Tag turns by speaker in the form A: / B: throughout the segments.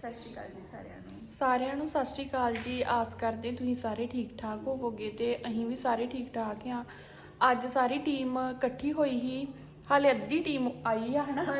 A: ਸਤਿ ਸ਼੍ਰੀ ਅਕਾਲ ਜੀ
B: ਸਾਰਿਆਂ ਨੂੰ ਸਤਿ ਸ਼੍ਰੀ ਅਕਾਲ ਜੀ। ਆਸ ਕਰਦੇ ਤੁਸੀਂ ਸਾਰੇ ਠੀਕ ਠਾਕ ਹੋਵੋਗੇ ਤੇ ਅਸੀਂ ਵੀ ਸਾਰੇ ਠੀਕ ਠਾਕ ਆ। ਅੱਜ ਸਾਰੀ ਟੀਮ ਇਕੱਠੀ ਹੋਈ ਹੀ। ਹਾਲੇ ਅੱਧੀ ਟੀਮ ਆਈ ਆ ਹਨਾ,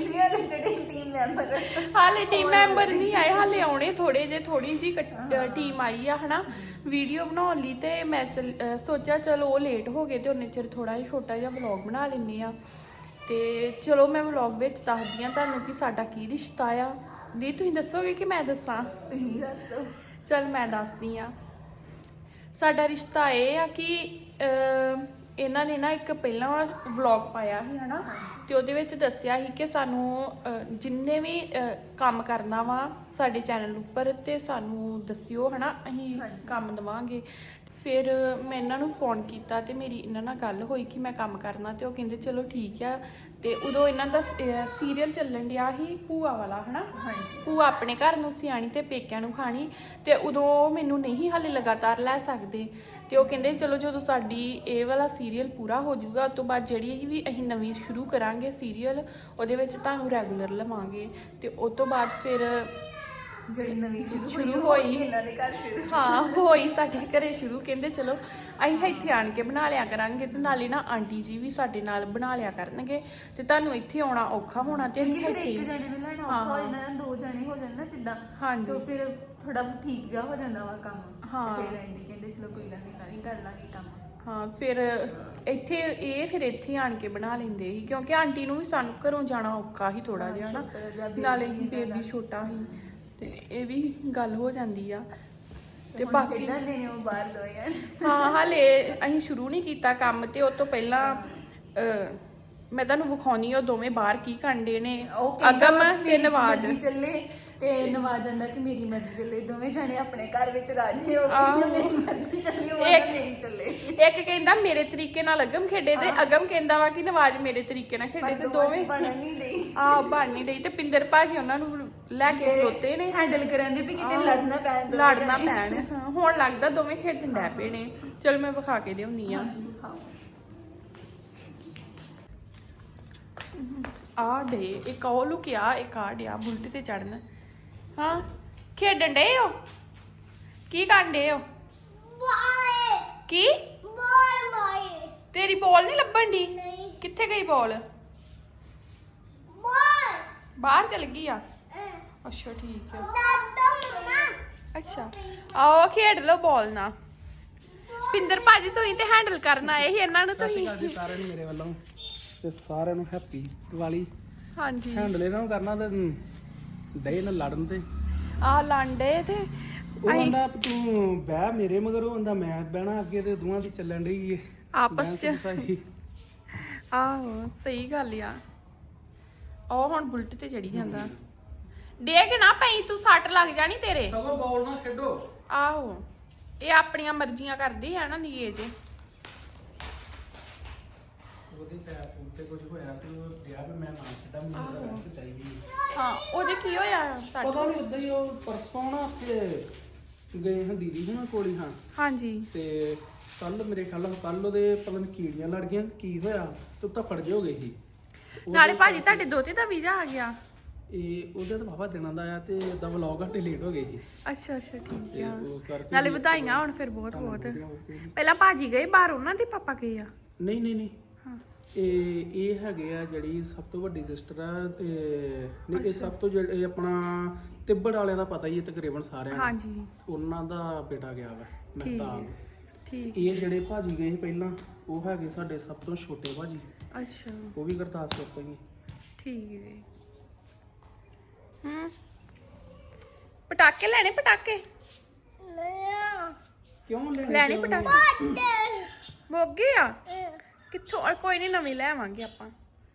B: ਹਾਲੇ ਟੀਮ ਮੈਂਬਰ ਨਹੀਂ ਆਏ, ਹਾਲੇ ਆਉਣੇ ਥੋੜੇ ਜੇ, ਥੋੜੀ ਜੀ ਟੀਮ ਆਈ ਆ ਹਨਾ ਵੀਡੀਓ ਬਣਾਉਣ ਲਈ। ਤੇ ਮੈਂ ਸੋਚਿਆ ਚਲੋ ਉਹ ਲੇਟ ਹੋ ਗਏ ਤੇ ਉਹਨੇ ਚਿਰ ਥੋੜਾ ਜਿਹਾ ਛੋਟਾ ਜਿਹਾ ਵਲੌਗ ਬਣਾ ਲੈਂਦੇ ਆ। ਤੇ ਚਲੋ ਮੈਂ ਵਲੌਗ ਵਿੱਚ ਦੱਸਦੀ ਆ ਤੁਹਾਨੂੰ ਕਿ ਸਾਡਾ ਕੀ ਰਿਸ਼ਤਾ ਆ। ਦੀ ਤੁਸੀਂ ਦੱਸੋਗੇ ਕਿ ਮੈਂ ਦੱਸਾਂ?
A: ਤੁਸੀਂ ਦੱਸ ਦਿਓ।
B: ਚਲ ਮੈਂ ਦੱਸਦੀ ਆ। ਸਾਡਾ ਰਿਸ਼ਤਾ ਇਹ ਆ ਕਿ ਇਹਨਾਂ ਨੇ ਨਾ ਇੱਕ ਪਹਿਲਾਂ ਵਲੌਗ ਪਾਇਆ ਸੀ ਹਨਾ, ਤੇ ਉਹਦੇ ਵਿੱਚ ਦੱਸਿਆ ਸੀ ਕਿ ਸਾਨੂੰ ਜਿੰਨੇ ਵੀ ਕੰਮ ਕਰਨਾ ਵਾ ਸਾਡੇ ਚੈਨਲ ਉੱਪਰ ਤੇ ਸਾਨੂੰ ਦੱਸਿਓ ਹਨਾ, ਅਸੀਂ ਕੰਮ ਦੇਵਾਂਗੇ। ਫਿਰ ਮੈਂ ਇਹਨਾਂ ਨੂੰ ਫੋਨ ਕੀਤਾ ਤੇ ਮੇਰੀ ਇਹਨਾਂ ਨਾਲ ਗੱਲ ਹੋਈ ਕਿ ਮੈਂ ਕੰਮ ਕਰਨਾ, ਤੇ ਉਹ ਕਹਿੰਦੇ ਚਲੋ ਠੀਕ ਆ। ਤੇ ਉਦੋਂ ਇਹਨਾਂ ਦਾ ਸੀਰੀਅਲ ਚੱਲਣ ਡਿਆ ਸੀ ਭੂਆ ਵਾਲਾ ਹਨਾ, ਭੂਆ ਆਪਣੇ ਘਰ ਨੂੰ ਸਿਆਣੀ ਤੇ ਪੇਕਿਆਂ ਨੂੰ ਖਾਣੀ। ਤੇ ਉਦੋਂ ਮੈਨੂੰ ਨਹੀਂ ਹਾਲੇ ਲਗਾਤਾਰ ਲੈ ਸਕਦੇ, ਤੇ ਉਹ ਕਹਿੰਦੇ ਚਲੋ ਜਦੋਂ ਸਾਡੀ ਇਹ ਵਾਲਾ ਸੀਰੀਅਲ ਪੂਰਾ ਹੋ ਜਾਊਗਾ ਉਸ ਤੋਂ ਬਾਅਦ ਜਿਹੜੀ ਵੀ ਅਸੀਂ ਨਵੀਂ ਸ਼ੁਰੂ ਕਰਾਂਗੇ ਸੀਰੀਅਲ ਉਹਦੇ ਵਿੱਚ ਤੁਹਾਨੂੰ ਰੈਗੂਲਰ ਲਵਾਂਗੇ। ਤੇ ਉਸ ਤੋਂ ਬਾਅਦ ਫਿਰ
A: ਜਿਹੜੀ ਨਵੀਂ
B: ਸ਼ੁਰੂ ਹੋਈ
A: ਇਹਨਾਂ ਦੇ ਘਰ ਸ਼ੁਰੂ,
B: ਹਾਂ ਹੋਈ ਸਾਡੇ ਘਰੇ ਸ਼ੁਰੂ। ਕਹਿੰਦੇ ਚਲੋ ਅਸੀਂ ਇੱਥੇ ਆਣ ਕੇ ਬਣਾ ਲਿਆ ਕਰਾਂਗੇ ਤੇ ਨਾਲੇ ਨਾ ਆਂਟੀ ਜੀ ਵੀ ਸਾਡੇ ਨਾਲ ਬਣਾ ਲਿਆ ਕਰਨਗੇ ਤੇ ਤੁਹਾਨੂੰ ਇੱਥੇ ਆਉਣਾ ਔਖਾ ਹੋਣਾ ਤੇ ਅਸੀਂ
A: ਇੱਥੇ ਇੱਕ ਜਣੇ ਨੂੰ ਲੈਣਾ ਔਖਾ ਹੋ ਜਾਂਦਾ, ਦੋ ਜਣੇ ਹੋ ਜਾਣ ਨਾ ਜਿੱਦਾਂ, ਤੇ ਫਿਰ ਥੋੜਾ ਠੀਕ ਜਾ ਹੋ ਜਾਂਦਾ ਵਾ ਕੰਮ। ਫਿਰ ਆਂਟੀ ਕਹਿੰਦੇ ਚਲੋ ਕੋਈ ਗੱਲ ਨਹੀਂ ਕਰ ਲਾਂਗੇ ਕੰਮ।
B: ਹਾਂ ਫਿਰ ਇੱਥੇ ਫਿਰ ਇੱਥੇ ਆਣ ਕੇ ਬਣਾ ਲੈਂਦੇ ਸੀ ਕਿਉਂਕਿ ਆਂਟੀ ਨੂੰ ਵੀ ਸਾਨੂੰ ਘਰੋਂ ਜਾਣਾ ਔਖਾ ਸੀ ਥੋੜਾ ਜਿਹਾ ਨਾ, ਨਾਲੇ ਬੇਬੀ ਛੋਟਾ ਸੀ ਤੇ ਇਹ ਵੀ ਗੱਲ ਹੋ ਜਾਂਦੀ ਆ। ਤੇ ਬਾਕੀ
A: ਬਾਹਰ ਦੋ ਯਾਰ
B: ਹਾਂ ਹਾਲੇ ਅਸੀਂ ਸ਼ੁਰੂ ਨਹੀਂ ਕੀਤਾ ਕੰਮ। ਤੇ ਉਹ ਤੋਂ ਪਹਿਲਾਂ ਮੈਂ ਤੁਹਾਨੂੰ ਵਿਖਾਉਣੀ ਉਹ ਦੋਵੇਂ ਬਾਹਰ ਕੀ ਕਰਦੇ ਨੇ, ਅਗਮ ਤੇ ਨਵਾਜ਼।
A: ਚੱਲੇ ਤੇ ਨਵਾਜ਼ ਆਂਦਾ ਕਿ ਮੇਰੀ ਮਰਜ਼ੀ ਚੱਲੇ, ਦੋਵੇਂ ਜਾਣੇ ਆਪਣੇ ਘਰ ਵਿੱਚ ਰਾਜੀ ਹੋ ਗਏ। ਮੇਰੀ ਮਰਜ਼ੀ ਚੱਲੀ, ਉਹ ਮੇਰੀ ਚੱਲੇ।
B: ਇੱਕ ਕਹਿੰਦਾ ਮੇਰੇ ਤਰੀਕੇ ਨਾਲ ਅਗਮ ਖੇਡੇ ਤੇ ਅਗਮ ਕਹਿੰਦਾ ਵਾ ਕਿ ਨਵਾਜ਼ ਮੇਰੇ ਤਰੀਕੇ ਨਾਲ ਖੇਡੇ, ਤੇ ਦੋਵੇਂ
A: ਬਣ ਨਹੀਂ ਰਹੀ।
B: ਬਣ ਨਹੀਂ ਰਹੀ। ਤੇ ਪਿੰਦਰ ਭਾਜੀ ਉਹਨਾਂ ਨੂੰ ਲੈ ਕੇ ਖਲੋਤੇ ਨੇ
A: ਹੈਂਡਲ ਕਰਨ ਦੇ ਵੀ ਕਿਤੇ ਲੜਨਾ
B: ਪੈਣ। ਹੁਣ ਲੱਗਦਾ ਦੋਵੇਂ ਖੇਡਣ ਡੈ ਪਏ ਨੇ। ਚਲ ਮੈਂ ਵਿਖਾ ਕੇ ਦਿਉਣੀ ਆ। ਆ ਡੇ ਇੱਕ ਉਹ ਲੁਕਿਆ, ਇੱਕ ਆ ਡਿਆ ਬੁਲਟ ਤੇ ਚੜਨ। ਹਾਂ ਖੇਡਣ ਡੇ ਹੋ? ਕੀ ਕਰਨ ਡੇ ਹੋ? ਕੀ ਤੇਰੀ ਬੋਲ ਨਹੀਂ ਲੱਭਣ ਦੀ? ਕਿੱਥੇ ਗਈ ਬੋਲ? ਬਾਹਰ ਚਲ ਗਈ ਆ? ਅੱਛਾ ਠੀਕ ਹੈ। ਅੱਛਾ ਆਓ ਖੇਡ ਲਓ ਬੋਲ ਨਾਲ। ਪਿੰਦਰ ਭਾਜੀ ਤੁਸੀਂ ਤੇ ਹੈਂਡਲ ਕਰਨ ਆਏ ਸੀ ਇਹਨਾਂ ਨੂੰ। ਤੁਸੀਂ
C: ਸਾਰਿਆਂ ਨੂੰ ਮੇਰੇ ਵੱਲੋਂ ਤੇ ਸਾਰਿਆਂ ਨੂੰ ਹੈਪੀ ਦੀਵਾਲੀ।
B: ਹਾਂਜੀ
C: ਹੈਂਡਲ ਇਹਨਾਂ ਨੂੰ ਕਰਨਾ ਤੇ ਡੇ ਨਾਲ ਲੜਨ ਤੇ
B: ਲਾਂਡੇ ਤੇ
C: ਉਹ ਕਹਿੰਦਾ ਤੂੰ ਬਹਿ ਮੇਰੇ ਮਗਰ, ਉਹ ਕਹਿੰਦਾ ਮੈਂ ਬਹਿਣਾ ਅੱਗੇ, ਤੇ ਦੋਵਾਂ ਦੀ ਚੱਲਣ ਡਈ ਏ
B: ਆਪਸ ਚ। ਆਹੋ ਸਹੀ ਗੱਲ ਆ। ਉਹ ਹੁਣ ਬੁਲਟ ਤੇ ਚੜੀ ਜਾਂਦਾ। ਡੇਗ ਨਾ ਪਈ ਤੂੰ, ਸੱਟ ਲੱਗ ਜਾਣੀ ਤੇਰੇ।
C: ਸਗੋਂ ਬੋਲ ਨਾ ਖੇਡੋ।
B: ਆਹੋ ਇਹ ਆਪਣੀਆਂ ਮਰਜ਼ੀਆਂ ਕਰਦੀ ਆ ਨਾ ਨੀਏ ਜੇ।
C: ਉਹਦੇ ਪੈਰ ਤੇ ਕੁਝ ਹੋਇਆ ਤੇ ਉਹ ਗਿਆ ਵੀ ਮੈਂ ਨਾ ਛੱਡਾਂ, ਮੈਨੂੰ ਰੈਸਟ ਚਾਹੀਦੀ।
B: ਹਾਂ ਉਹਦੇ ਕੀ ਹੋਇਆ?
C: ਪਤਾ ਨਹੀਂ ਉਦਾਂ ਹੀ ਉਹ ਪਰਸੋਂ ਨਾ ਤੇ ਗਏ ਹਾਂ ਦੀਦੀ ਹੁਣਾਂ ਕੋਲ ਹੀ। ਹਾਂ ਹਾਂਜੀ। ਤੇ ਕੱਲ ਮੇਰੇ ਖਿਆਲ ਕੱਲ ਉਹਦੇ ਪਤਾ ਨਹੀਂ ਕੀੜੀਆਂ ਲੜ ਗਈਆਂ, ਕੀ ਹੋਇਆ ਤੇ ਤਾਂ ਫੜ ਜੇ ਹੋ ਗਏ ਸੀ।
B: ਨਾਲੇ ਭਾਜੀ ਤੁਹਾਡੇ ਦੋਤੇ ਦਾ ਵੀਜ਼ਾ ਆ ਗਿਆ?
C: ਇਹ ਉਹਦੇ ਤਾਂ ਬਾਬਾ ਦਿਨਾਂ ਦਾ ਆ ਤੇ ਉਹਦਾ ਵਲੌਗ ਘੱਟੇ ਲੇਟ ਹੋ ਗਏ ਸੀ।
B: ਅੱਛਾ ਅੱਛਾ ਠੀਕ
C: ਤੇ
B: ਆ।
C: ਉਹ ਕਰਕੇ
B: ਨਾਲੇ ਵਧਾਈਆਂ ਹੁਣ ਫਿਰ ਬਹੁਤ ਬਹੁਤ। ਪਹਿਲਾਂ ਭਾਜੀ ਗਏ ਬਾਹਰ, ਉਹਨਾਂ ਦੇ ਪਾਪਾ ਗਏ ਆ?
C: ਨਹੀਂ ਨਹੀਂ ਨਹੀਂ,
B: ਹਾਂ
C: ਇਹ ਹੈਗੇ ਆ ਜਿਹੜੀ ਸਭ ਤੋਂ ਵੱਡੀ ਸਿਸਟਰ ਆ। ਤੇ ਨਹੀਂ ਇਹ ਸਭ ਤੋਂ ਜਿਹੜੇ ਆਪਣਾ ਤਿੱਬੜ ਵਾਲਿਆਂ ਦਾ ਪਤਾ ਹੀ ਹੈ ਤਕਰੀਬਨ ਸਾਰਿਆਂ ਨੂੰ। ਹਾਂਜੀ ਉਹਨਾਂ ਦਾ ਬੇਟਾ ਗਿਆ ਵਾ ਮਹਿਤਾਬ। ਠੀਕ। ਇਹ ਜਿਹੜੇ ਭਾਜੀ ਗਏ ਸੀ ਪਹਿਲਾਂ ਉਹ ਹੈਗੇ ਸਾਡੇ ਸਭ ਤੋਂ ਛੋਟੇ ਭਾਜੀ। ਅੱਛਾ ਉਹ ਵੀ ਗੁਰਦਾਸਪੁਰ ਤੋਂ ਹੀ। ਠੀਕ ਹੈ।
B: ਪਟਾਕੇ ਲੈਣੇ? ਪਟਾਕੇ
C: ਕਿਉਂ
B: ਲੈਣੇ? ਪਟਾਕੇ ਮੁੱਕ ਗਏ ਆ ਕਿੱਥੋਂ? ਕੋਈ ਨਹੀਂ ਨਵੇਂ ਲੈ ਆਵਾਂਗੇ ਆਪਾਂ।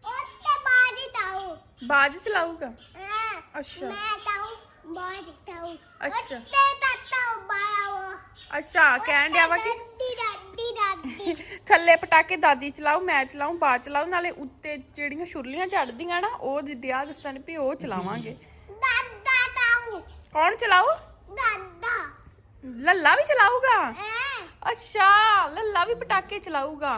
B: ਬਾਜ ਚਲਾਊਗਾ? ਅੱਛਾ ਅੱਛਾ ਅੱਛਾ ਕਹਿਣ ਡਿਆ ਵਾ ਕਿ ਥੱਲੇ ਪਟਾਕੇ ਦਾਦੀ ਚਲਾਓ, ਮੈਂ ਚਲਾਉ, ਬਾਜ ਚਲਾਓ, ਨਾਲੇ ਉੱਤੇ ਜਿਹੜੀਆਂ ਛੁਰਲੀਆਂ ਚੜਦੀਆਂ ਨਾ ਉਹ ਦਿਆ ਦੱਸਣ ਵੀ ਉਹ ਚਲਾਵਾਂਗੇ। ਕੌਣ ਚਲਾਊ? ਲੱਲਾ ਵੀ ਚਲਾਊਗਾ? ਅੱਛਾ ਲੱਲਾ ਵੀ ਪਟਾਕੇ ਚਲਾਊਗਾ?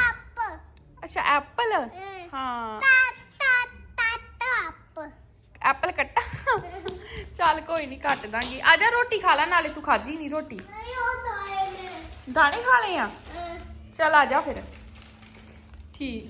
B: ਅੱਛਾ ਐਪਲ। ਹਾਂ ਐਪਲ ਕੱਟਾ ਚੱਲ ਕੋਈ ਨਹੀਂ ਕੱਟ ਦਾਂਗੀ ਆ ਜਾ ਰੋਟੀ ਖਾ ਲੈ ਨਾਲੇ ਤੂੰ ਖਾਧੀ ਨਹੀਂ ਰੋਟੀ ਦਾਣੇ ਖਾ ਲਏ ਆ ਚੱਲ ਆ ਜਾ ਫਿਰ ਠੀਕ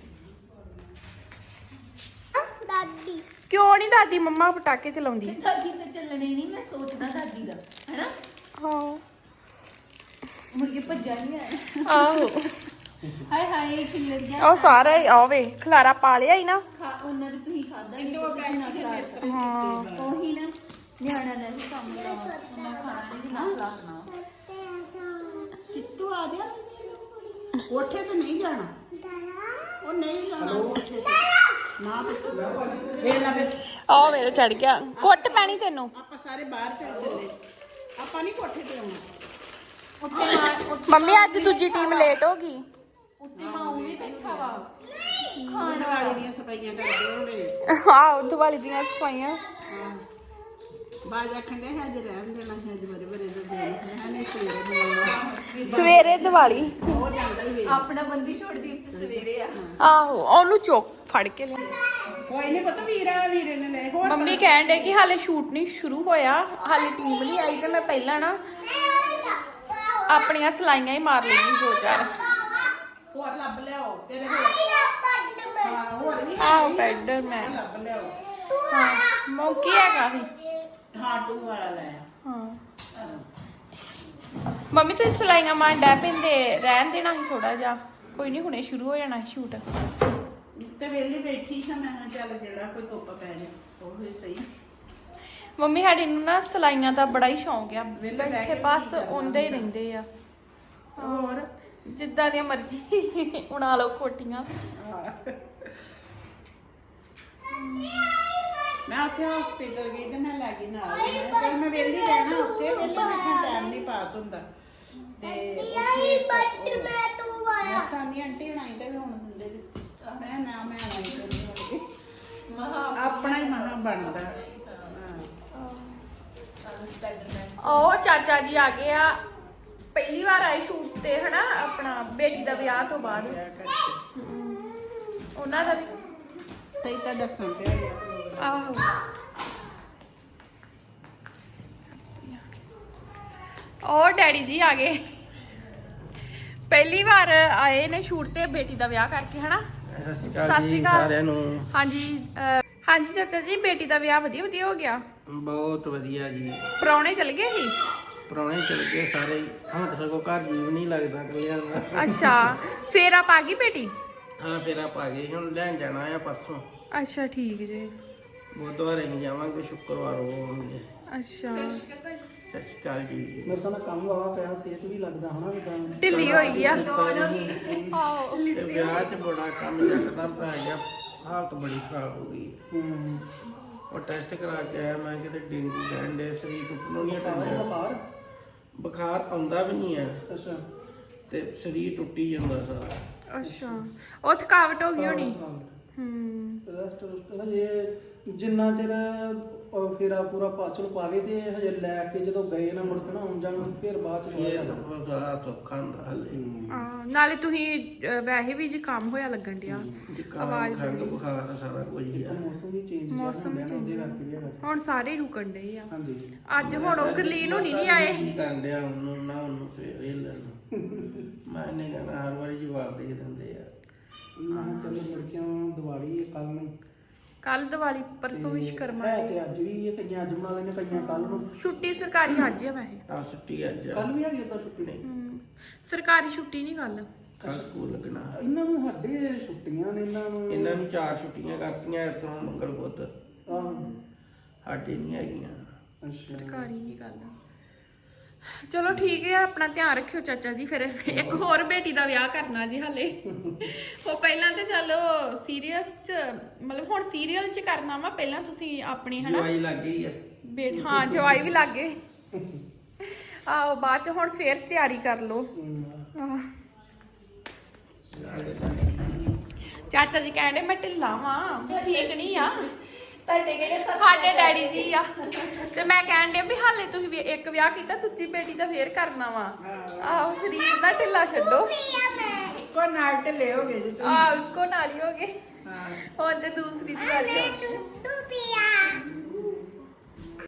D: ਦਾਦੀ
B: ਕਿਉਂ ਨਹੀਂ ਦਾਦੀ ਮੰਮਾ ਪਟਾਕੇ ਚਲਾਉਂਦੀ
A: ਦਾਦੀ ਤਾਂ ਚੱਲਣੇ ਨਹੀਂ ਮੈਂ ਸੋਚਦਾ ਦਾਦੀ ਦਾ ਹੈਨਾ
B: ਹਾਂ
A: ਮੁੜ ਕੇ ਭੱਜਾ ਨਹੀਂ
B: ਆਹੋ
A: ਹਾਏ ਹਾਏ ਖਿਲਰ ਗਿਆ
B: ਉਹ ਸਾਰਾ ਆਵੇ ਖਲਾਰਾ ਪਾ ਲਿਆ ਹੀ ਨਾ
A: ਉਹਨਾਂ ਦੇ ਤੁਸੀਂ ਖਾਦਾ ਹੀ ਨਹੀਂ ਨਾ ਖਿਲਾ
B: ਹਾਂ
A: ਉਹੀ ਨਾ ਨਿਆਣਾ ਦਾ ਵੀ ਕੰਮ ਕਰਾਉਣਾ ਉਹਨਾਂ ਖਾਣਾ ਨਹੀਂ ਜਿੰਨਾ ਖਿਲਾਉਣਾ
E: ਕਿੱਥੋਂ ਆ ਗਿਆ ਕੋਠੇ ਤੇ ਨਹੀਂ ਜਾਣਾ ਉਹ ਨਹੀਂ ਜਾਣਾ ਕੋਠੇ ਤੇ ਨਾ ਵੇਲਾ ਫਿਰ
B: ਆ ਮੇਰੇ ਚੜ ਗਿਆ ਕੁੱਟ ਪੈਣੀ ਤੈਨੂੰ
E: ਆਪਾਂ ਸਾਰੇ ਬਾਹਰ ਚੱਲ ਚੱਲੇ ਆਪਾਂ ਨਹੀਂ ਕੋਠੇ ਤੇ ਆਉਣਾ
A: ਉੱਤੇ
B: ਮੰਮੀ ਅੱਜ ਦੂਜੀ ਟੀਮ ਲੇਟ ਹੋ ਗਈ
A: ਉੱਤੇ ਮਾਊ ਵੀ ਬੈਠਾ ਵਾ
E: ਖਾਣ ਵਾਲੀ ਦੀਆਂ ਸਫਾਈਆਂ ਕਰਦੇ ਹੋਣੇ
B: ਆਹ ਦੀਵਾਲੀ ਦੀਆਂ ਸਫਾਈਆਂ
E: ਬਾਜ ਆਖੰਡੇ ਹੈ ਜੇ ਰਹਿਣ ਦੇਣਾ ਹੈ ਜੇ ਬਰੇ ਬਰੇ ਦੇ ਦੇਣਾ ਹੈ ਨਹੀਂ ਸਵੇਰੇ ਬੋਲਣਾ
B: ਸਵੇਰੇ ਦੀਵਾਲੀ
E: ਹੋ ਜਾਂਦਾ ਹੀ ਵੇ
A: ਆਪਣਾ ਬੰਦੀ ਛੋੜਦੀ ਉਸ ਸਵੇਰੇ ਆ
B: ਆਹੋ ਉਹਨੂੰ ਚੁੱਕ ਫੜ ਕੇ ਲਿਆ
E: ਕੋਈ ਨਹੀਂ ਪਤਾ ਵੀਰੇ ਨੇ ਲੈ ਹੋਰ
B: ਮੰਮੀ ਕਹਿਣ ਡੇ ਕਿ ਹਾਲੇ ਸ਼ੂਟ ਨਹੀਂ ਸ਼ੁਰੂ ਹੋਇਆ ਹਾਲੇ ਟੀਮ ਨਹੀਂ ਆਈ ਤੇ ਮੈਂ ਪਹਿਲਾਂ ਨਾ ਆਪਣੀਆਂ ਸਲਾਈਆਂ ਹੀ ਮਾਰ ਲਈਆਂ ਦੋ ਚਾਰ
E: ਹੋਰ ਲੱਭ ਲਿਆਓ ਤੇਰੇ ਕੋਲ ਹਾਂ ਹੋਰ ਵੀ
B: ਆਹ ਪੈਡਰ ਮੈਂ
E: ਲੱਭ ਲਿਆਓ
B: ਹਾਂ ਮੌਕੀ ਹੈਗਾ ਸੀ
E: ਹਾਂ ਟੂ ਵਾਲਾ ਲੈ
B: ਹਾਂ ਮੰਮੀ ਤੁਸੀਂ ਸਲਾਈਆਂ ਮਾਰ ਡੈ ਪੈਂਦੇ ਰਹਿਣ ਦੇਣਾ ਸੀ ਥੋੜਾ ਜਿਹਾ ਕੋਈ ਨਹੀਂ ਹੁਣੇ ਸ਼ੁਰੂ ਹੋ ਜਾਣਾ ਸ਼ੂਟ
E: ਤੇ ਵੇਲੀ ਬੈਠੀ ਸੀ ਮੈਂ ਕਿਹਾ ਚੱਲ ਜਿਹੜਾ ਕੋਈ ਧੁੱਪ ਪੈ ਜਾ ਉਹ ਵੀ ਸਹੀ
B: ਮੰਮੀ ਸਾਡੀ ਨੂੰ ਨਾ ਸਲਾਈਆਂ ਦਾ ਬੜਾ ਹੀ ਸ਼ੌਂਕ ਆ
E: ਵਿਹਲੇ ਬਹਿ
B: ਬੈਠੇ
E: ਕੇ
B: ਬਸ
E: ਕੀ ਕਰਨਾ
B: ਉਹਦੇ ਹੀ ਰਹਿੰਦੇ ਆ
E: ਹੋਰ
B: ਜਿੱਦਾਂ ਦੀਆਂ ਮਰਜ਼ੀ ਉਣਾ ਲਓ ਕੋਟੀਆਂ
E: ਮੈਂ ਉੱਥੇ ਹਸਪੀਟਲ ਗਈ ਤੇ ਮੈਂ ਲੈ ਗਈ ਨਾਲ ਚੱਲ ਮੈਂ ਵੇਲੀ ਰਹਿਣਾ ਉੱਥੇ ਵੇਲੇ ਬੈਠਾ ਟਾਈਮ ਨਹੀਂ ਪਾਸ ਹੁੰਦਾ ਤੇ ਉੱਥੇ
D: ਮੈਂ ਤੂੰ ਵਾਲਾ
E: ਮੈਂ ਸਾਨੀ ਆਂਟੀ ਬਣਾਈ ਤੇ ਵੀ ਹੁਣ ਦਿੰਦੇ ਜੀ ਮੈਂ ਨਾ ਮੈਂ ਆਈ ਕਰਨੀ ਆਪਣਾ ਹੀ ਮਹਾ ਬਣਦਾ
B: ਉਹ ਚਾਚਾ ਜੀ ਆ ਗਏ ਆ ਪਹਿਲੀ ਵਾਰ ਆਏ ਸ਼ੂਟ ਤੇ ਹਨਾ ਆਪਣਾ ਬੇਟੀ ਦਾ ਵਿਆਹ ਤੋਂ ਬਾਅਦ ਉਹਨਾਂ ਦਾ ਵੀ
E: ਤੇ ਤਾਂ ਦੱਸਣ ਪਿਆ ਗਿਆ
B: ਆਹੋ ਉਹ ਡੈਡੀ ਜੀ ਆ ਗਏ ਪਹਿਲੀ ਵਾਰ ਆਏ ਨੇ ਸ਼ੂਟ ਤੇ ਬੇਟੀ ਦਾ ਵਿਆਹ ਕਰਕੇ ਹਨਾ
F: ਸਤਿ ਸ਼੍ਰੀ
B: ਸਤਿ
F: ਅਕਾਲ
B: ਸ਼੍ਰੀ
F: ਜੀ
B: ਅਕਾਲ।
F: ਸਾਰਿਆਂ ਨੂੰ
B: ਹਾਂਜੀ ਹਾਂਜੀ ਚਾਚਾ ਜੀ ਬੇਟੀ ਦਾ ਵਿਆਹ ਵਧੀਆ ਵਧੀਆ ਹੋ ਗਿਆ
F: ਬਹੁਤ ਵਧੀਆ ਜੀ
B: ਪ੍ਰਾਹੁਣੇ ਚਲ ਗਏ ਸੀ
F: ਪ੍ਰਾਹੁਣੇ ਚਲ ਗਏ ਸਾਰੇ ਹੀ। ਹੁਣ ਤਾਂ ਸਗੋਂ ਘਰ ਜੀਵ ਨਹੀਂ ਲੱਗਦਾ ਕੋਈ ਦਾ
B: ਅੱਛਾ ਫੇਰ ਆਪ ਆ ਗਈ ਬੇਟੀ
F: ਹਾਂ ਫਿਰ ਆਪਾਂ ਗਏ ਹੁਣ ਲੈਣ ਜਾਣਾ ਆ ਪਰਸੋਂ
B: ਅੱਛਾ ਠੀਕ ਜੀ
F: ਬੁੱਧਵਾਰ ਨੂੰ ਜਾਵਾਂਗੇ ਸ਼ੁੱਕਰਵਾਰ ਹੋਣਗੇ
B: ਅੱਛਾ
F: ਸਤਿ ਸ਼੍ਰੀ ਅਕਾਲ ਜੀ
C: ਮੇਰੇ ਸਾਹਮਣੇ ਕੰਮ ਵਾਲਾ ਪਿਆ ਸਿਹਤ ਵੀ ਲੱਗਦਾ ਹਨਾ ਜਿੱਦਾਂ
B: ਢਿੱਲੀ ਹੋਈ ਆ
F: ਤੇ
B: ਆਹੋ
F: ਵਿਆਹ 'ਚ ਬੜਾ ਕੰਮ ਯਕਦਮ ਪੈ ਗਿਆ ਹਾਲਤ ਬੜੀ ਖਰਾਬ ਹੋ ਗਈ ਉਹ ਟੈਸਟ ਕਰਾ ਕੇ ਆਇਆ ਮੈਂ ਕਿਤੇ ਡੇਂਗੂ ਕਹਿੰਦੇ ਸਰੀਰ ਟੁੱਟਣੋਂ ਨਹੀਂ ਹਟਦਾ
C: ਬਾਹਰ
F: ਬੁਖਾਰ ਆਉਂਦਾ ਵੀ ਨਹੀਂ ਹੈ
C: ਅੱਛਾ
F: ਤੇ ਸਰੀਰ ਟੁੱਟੀ ਜਾਂਦਾ ਸਾਰਾ
B: ਅੱਛਾ ਉਹ ਥਕਾਵਟ ਹੋ ਗਈ ਹੋਣੀ
C: ਰੈਸਟ ਹਜੇ ਜਿੰਨਾ ਚਿਰ ਫੇਰਾ ਪੂਰਾ ਪਾਚਲ ਪਾਵੇ ਤੇ ਹਜੇ ਲੈ ਕੇ ਜਦੋਂ ਗਏ ਨਾ ਮੁੜ ਕੇ ਨਾ ਆਉਣ ਜਾਣ ਫਿਰ ਬਾਅਦ ਚ
F: ਇਹ ਤਾਂ ਬਹੁਤ ਔਖਾ ਹੁੰਦਾ ਹਲੇ
B: ਨਾਲੇ ਤੁਸੀਂ ਵੈਸੇ ਵੀ ਜ਼ੁਕਾਮ ਹੋਇਆ ਲੱਗਣ ਡਿਆ
F: ਆਵਾਜ਼ ਖੰਗ ਬੁਖਾਰ ਸਾਰਾ ਕੁਝ ਹੀ ਆ
C: ਮੌਸਮ ਵੀ ਚੇਂਜ
B: ਮੌਸਮ
C: ਉਹਦੇ ਕਰਕੇ ਵੀ ਹੈਗਾ
B: ਹੁਣ ਸਾਰੇ ਹੀ ਰੁਕਣ ਡਏ ਆ
C: ਹਾਂਜੀ
B: ਅੱਜ ਹੁਣ ਉਹ ਗਰਲੀਨ ਹੋਣੀ ਨਹੀਂ ਆਏ
F: ਕੀ ਕਰਨ ਡਿਆ ਉਹਨੂੰ ਨਾ ਉਹਨੂੰ ਫੇਰ ਇਹ ਲੈਣ ਮੈਂ ਨਹੀਂ ਕਹਿਣਾ ਹਰ ਵਾਰੀ ਜਵਾਬ ਦੇ ਦਿੰਦੇ ਆ
C: ਮੈਂ ਕਿਹਾ ਚੱਲ ਲੜਕੀਆਂ ਦੀਵਾਲੀ ਕੱਲ ਨੂੰ
B: ਕੱਲ ਦੀਵਾਲੀ ਪਰਸੋਂ ਵਿਸ਼ਕਰਮਾ
C: ਹੈ ਤੇ ਅੱਜ ਵੀ ਇਹ ਕਈਆਂ ਅੱਜ ਬਣਾ ਲੈਣੇ ਕਈਆਂ ਕੱਲ ਨੂੰ
B: ਛੁੱਟੀ ਸਰਕਾਰੀ ਅੱਜ ਆ ਵੈਸੇ
F: ਆ ਛੁੱਟੀ ਅੱਜ
C: ਕੱਲ ਵੀ ਹੈਗੀ ਤਾਂ ਛੁੱਟੀ ਨਹੀਂ
B: ਸਰਕਾਰੀ ਛੁੱਟੀ ਨਹੀਂ ਕੱਲ
F: ਕੱਲ ਸਕੂਲ ਲੱਗਣਾ
C: ਇਹਨਾਂ ਨੂੰ ਸਾਡੇ ਛੁੱਟੀਆਂ ਨੇ
F: ਇਹਨਾਂ ਨੂੰ 4 ਛੁੱਟੀਆਂ ਕਰਤੀਆਂ ਇਥੋਂ ਮੰਗਲ ਬੁੱਧ
C: ਆਹੋ
F: ਸਾਡੇ ਨਹੀਂ ਹੈਗੀਆਂ
C: ਅੱਛਾ
B: ਸਰਕਾਰੀ ਨਹੀਂ ਗੱਲ ਚਲੋ ਠੀਕ ਹੈ ਆਪਣਾ ਧਿਆਨ ਰੱਖਿਓ ਚਾਚਾ ਜੀ ਫਿਰ ਇੱਕ ਹੋਰ ਬੇਟੀ ਦਾ ਵਿਆਹ ਕਰਨਾ ਜੀ ਹਾਲੇ ਉਹ ਪਹਿਲਾਂ ਤੇ ਚਲੋ ਸੀਰੀਅਸ ਚ ਮਤਲਬ ਹੁਣ ਸੀਰੀਅਲ ਚ ਕਰਨਾ ਵਾ ਪਹਿਲਾਂ ਤੁਸੀਂ ਆਪਣੀ ਹਨਾ
F: ਜਵਾਈ ਲੱਗ ਗਈ ਆ
B: ਹਾਂ ਜਵਾਈ ਵੀ ਲੱਗ ਗਏ ਆਹੋ ਬਾਅਦ ਚ ਹੁਣ ਫੇਰ ਤਿਆਰੀ ਕਰ ਲਓ ਆਹ। ਚਾਚਾ ਜੀ ਕਹਿੰਦੇ ਮੈਂ ਢਿੱਲਾ ਵਾਂ ਠੀਕ ਨਹੀਂ ਆ
A: ਤੁਹਾਡੇ ਕਿਹੜੇ
B: ਸਾਡੇ ਡੈਡੀ ਜੀ ਆ ਤੇ ਮੈਂ ਕਹਿਣ ਡਿਆ ਵੀ ਹਾਲੇ ਤੁਸੀਂ ਵੀ ਇੱਕ ਵਿਆਹ ਕੀਤਾ ਦੂਜੀ ਬੇਟੀ ਦਾ ਫੇਰ ਕਰਨਾ ਵਾ ਆਹੋ ਸਰੀਰ ਦਾ ਢਿੱਲਾ ਛੱਡੋ
E: ਇੱਕੋ ਨਾਲ ਢਿੱਲੇ ਹੋ ਗਏ ਜੀ
B: ਆਹ ਇੱਕੋ ਨਾਲ ਹੀ ਹੋ ਗਏ
E: ਹਾਂ
B: ਹੁਣ ਤੇ ਦੂਸਰੀ ਦੀ ਵਾਰੀ ਆ